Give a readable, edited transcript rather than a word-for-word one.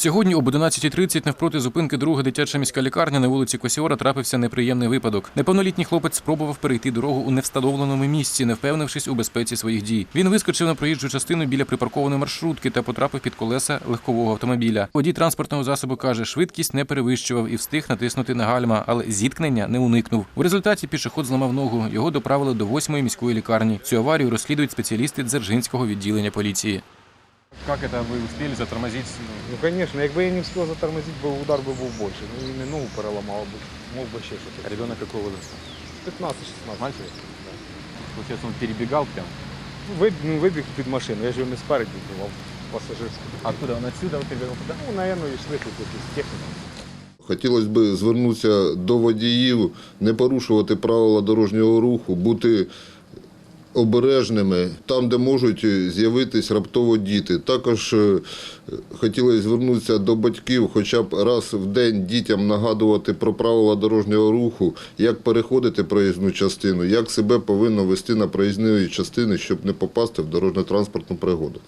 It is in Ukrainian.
Сьогодні об 11:30 навпроти зупинки друга дитяча міська лікарня на вулиці Косіора трапився неприємний випадок. Неповнолітній хлопець спробував перейти дорогу у невстановленому місці, не впевнившись у безпеці своїх дій. Він вискочив на проїжджу частину біля припаркованої маршрутки та потрапив під колеса легкового автомобіля. Водій транспортного засобу каже, швидкість не перевищував і встиг натиснути на гальма, але зіткнення не уникнув. У результаті пішохід зламав ногу. Його доправили до 8-ї міської лікарні. Цю аварію розслідують спеціалісти Дзержинського відділення поліції. Как это вы успели затормозить? Ну, конечно, якби я не встиг затормозити, удар би був більший. Ну, і не ногу переламав би, мог би ще щось. Ребенок какого возраста? 15-16. Мальчик? Получается, он перебегал прям. Ну, вибіг під машину, я ж його не спереді вбивав, пасажирську. Откуда? Он отсюда перебегал туда? Ну, наверное, йшли тут якісь техніки. Хотілося б звернутися до водіїв, не порушувати правила дорожнього руху, бути обережними там, де можуть з'явитись раптово діти. Також хотілося звернутися до батьків, хоча б раз в день дітям нагадувати про правила дорожнього руху, як переходити проїзну частину, як себе повинно вести на проїзні частини, щоб не попасти в дорожньо-транспортну пригоду.